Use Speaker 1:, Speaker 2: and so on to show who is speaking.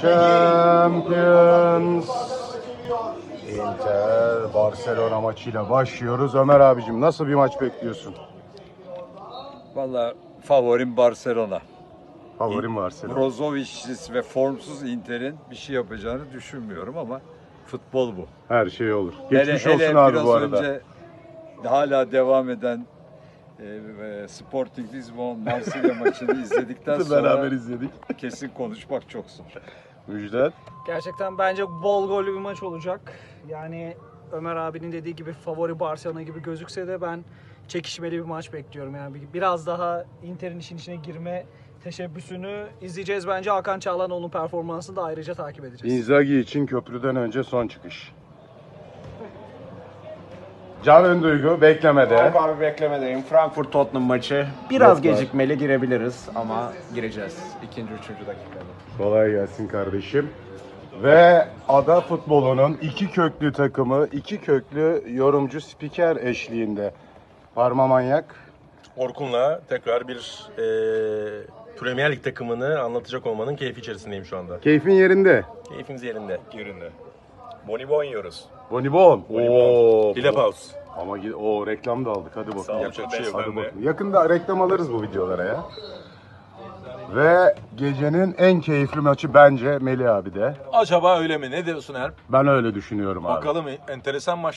Speaker 1: Champions. Inter Barcelona maçıyla başlıyoruz. Ömer abicim nasıl bir maç bekliyorsun?
Speaker 2: Vallahi favorim Barcelona.
Speaker 1: Favorim Barcelona.
Speaker 2: Brozovic'siz ve formsuz Inter'in bir şey yapacağını düşünmüyorum ama futbol bu.
Speaker 1: Her şey olur. Geçmiş
Speaker 2: hele
Speaker 1: olsun abi
Speaker 2: biraz
Speaker 1: bu arada.
Speaker 2: önce hala devam eden Sporting Lisbon Marsilya maçını izledikten sonra
Speaker 1: Beraber izledik.
Speaker 2: kesin konuşmak çok zor.
Speaker 1: Müjdat.
Speaker 3: Gerçekten bence bol gollü bir maç olacak. Yani Ömer abinin dediği gibi favori Barcelona gibi gözükse de ben çekişmeli bir maç bekliyorum. Yani biraz daha Inter'in işin içine girme teşebbüsünü izleyeceğiz bence. Hakan Çalhanoğlu'nun performansını da ayrıca takip edeceğiz.
Speaker 1: Inzaghi için köprüden önce son çıkış. Can Önduygu beklemede.
Speaker 4: Yok abi beklemedeyim. Frankfurt Tottenham maçı. Biraz
Speaker 1: Yok var.
Speaker 4: gecikmeli girebiliriz ama gireceğiz. İkinci, üçüncü dakikada.
Speaker 1: Kolay gelsin kardeşim. Ve ada futbolunun iki köklü takımı, iki köklü yorumcu spiker eşliğinde. Parma Manyak.
Speaker 5: Orkun'la tekrar bir Premier Lig takımını anlatacak olmanın keyfi içerisindeyim şu anda.
Speaker 1: Keyfin yerinde.
Speaker 5: Keyfimiz yerinde. Yerinde. Bonibon yiyoruz.
Speaker 1: Bonibon. Oo.
Speaker 5: Lille Paus.
Speaker 1: Ama o reklam da aldık. Hadi bakalım.
Speaker 5: Sağ ol, yapacak bir şey yok.
Speaker 1: Hadi bakalım. Yakında reklam alırız bu videolara ya. Ve gecenin en keyifli maçı bence Melih abi de.
Speaker 6: Acaba öyle mi? Ne diyorsun Erp?
Speaker 1: Ben öyle düşünüyorum abi.
Speaker 6: Bakalım enteresan maç.